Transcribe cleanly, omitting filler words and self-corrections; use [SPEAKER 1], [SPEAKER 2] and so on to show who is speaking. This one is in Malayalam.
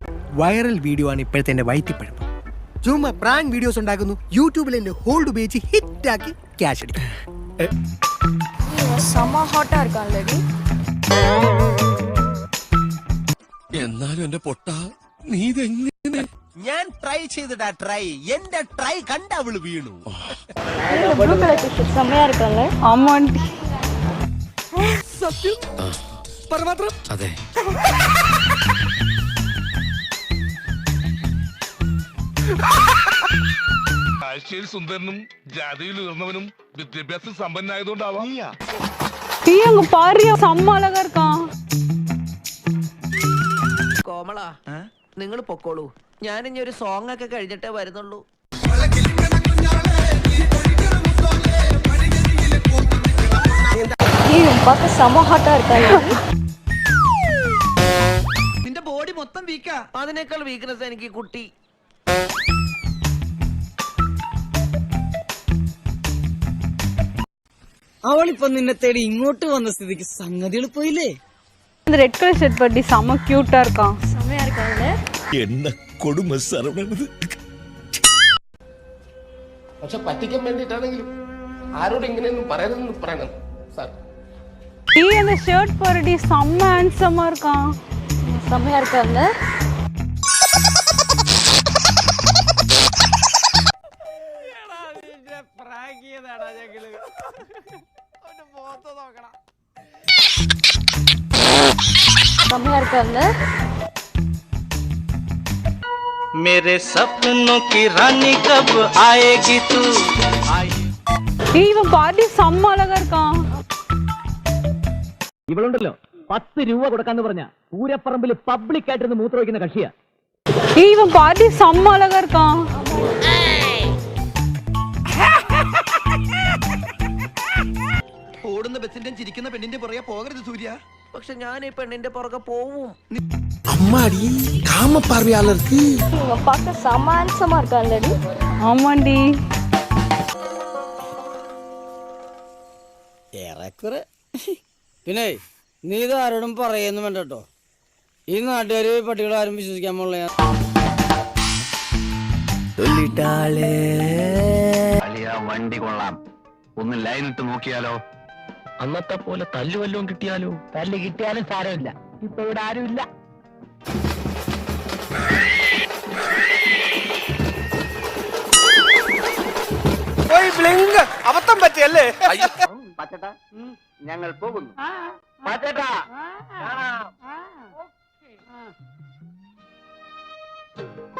[SPEAKER 1] വൈറൽ വീഡിയോ ആണ് ഇപ്പോഴത്തെ എന്റെ വൈറ്റിപ്പഴം. ചുമ്മാ പ്രാങ്ക് വീഡിയോസ് ഉണ്ടാക്കുന്നു, യൂട്യൂബിൽ എന്റെ ഹോൾഡ് ഉപയോഗിച്ച് ഹിറ്റാക്കി ക്യാഷ് അടിക്കും.
[SPEAKER 2] എന്നാലും എന്റെ പൊട്ട നീ ഇതെങ്ങനെ?
[SPEAKER 3] ഞാൻ ട്രൈ ചെയ്തിടാ ട്രൈ. എന്റെ ട്രൈ കണ്ട അവള് വീണു.
[SPEAKER 1] സത്യം പരമാത്രം.
[SPEAKER 2] അതെ.
[SPEAKER 4] കാഴ്ചയിൽ സുന്ദരനും ജാതിയിൽ ഉയർന്നവനും വിദ്യാഭ്യാസം സമ്പന്നായതുകൊണ്ടാവാം.
[SPEAKER 3] കോമള, നിങ്ങൾ പൊക്കോളൂ. ഞാൻ ഇനി ഒരു സോങ് ഒക്കെ കഴിഞ്ഞിട്ടേ വരുന്നുള്ളൂ. നിന്റെ ബോഡി മൊത്തം വീക്കാ. അതിനേക്കാൾ വീക്ക്നെസ് എനിക്ക് കുട്ടി.
[SPEAKER 5] അവളിപ്പൊ നിന്നെ തേടി ഇങ്ങോട്ട് വന്ന സ്ഥിതിക്ക് സംഗതികൾ പോയില്ലേ?
[SPEAKER 6] ரெட் கலர் ஷர்ட் பட்டி செம கியூட்டா இருக்கான்.
[SPEAKER 7] செமையா இருக்காங்க.
[SPEAKER 2] என்ன കൊടുമ സരവണത്.
[SPEAKER 8] പക്ഷെ പറ്റിക്കാൻ വേണ്ടിട്ടാണെങ്കിലും ആരോട് ഇങ്ങനെയൊന്നും പറയണമെന്ന് പറയണം സാർ.
[SPEAKER 6] ഈ அந்த ஷர்ட் பரடி செம ஹேண்ட்ஸமா இருக்கான்.
[SPEAKER 7] செமையா இருக்காங்க. செமையா இருக்காங்க.
[SPEAKER 5] मेरे सपनों की रानी कब आएगी तू?
[SPEAKER 6] இவன் பாட்டி செம்ம அழகா இருக்கான்.
[SPEAKER 9] ഇവളുണ്ടല്ലോ 10 രൂപ കൊടുക്കാന്ന് പറഞ്ഞ പൂരപ്പറമ്പിൽ പബ്ലിക് ആയിട്ടിരുന്ന് മൂത്രമൊഴിക്കുന്ന കക്ഷിയാ.
[SPEAKER 6] இவன் பாட்டி செம்ம அழகா இருக்கான்.
[SPEAKER 3] ഓടുന്ന ബസിന്റെ ചിരിക്കുന്ന പെണ്ണിന്റെ പുറകെ പോകരുത് സൂര്യ. പക്ഷെ ഞാൻ ഈ പെണ്ണിന്റെ പുറകെ പോവും.
[SPEAKER 1] അമ്മാടി കാമപ്പാർവയാളർക്ക്
[SPEAKER 7] இவங்க பார்க்க செம ஹேண்ட்ஸமா இருக்காங்கடி.
[SPEAKER 6] ஆமாண்டி.
[SPEAKER 5] ഏറെക്കുറെ. പിന്നെ നീ ഇത് ആരോടും പറയുന്നു വേണ്ട കേട്ടോ. ഈ നാട്ടുകാര് പട്ടികളെ ആരും വിശ്വസിക്കാൻ പോലുള്ള
[SPEAKER 9] വണ്ടി കൊള്ളാം, ഒന്ന് ലൈൻ ഇട്ട് നോക്കിയാലോ? അന്നത്തെ പോലെ തല്ലു വല്ലതും കിട്ടിയാലോ? തല്ല് കിട്ടിയാലും സാരമില്ല, ഇപ്പൊ ഇവിടെ ആരുമില്ല.
[SPEAKER 1] അബദ്ധം പറ്റിയല്ലേ?
[SPEAKER 9] പച്ചട്ടാ, ഞങ്ങൾ പോകുന്നു. പച്ചട്ടാ.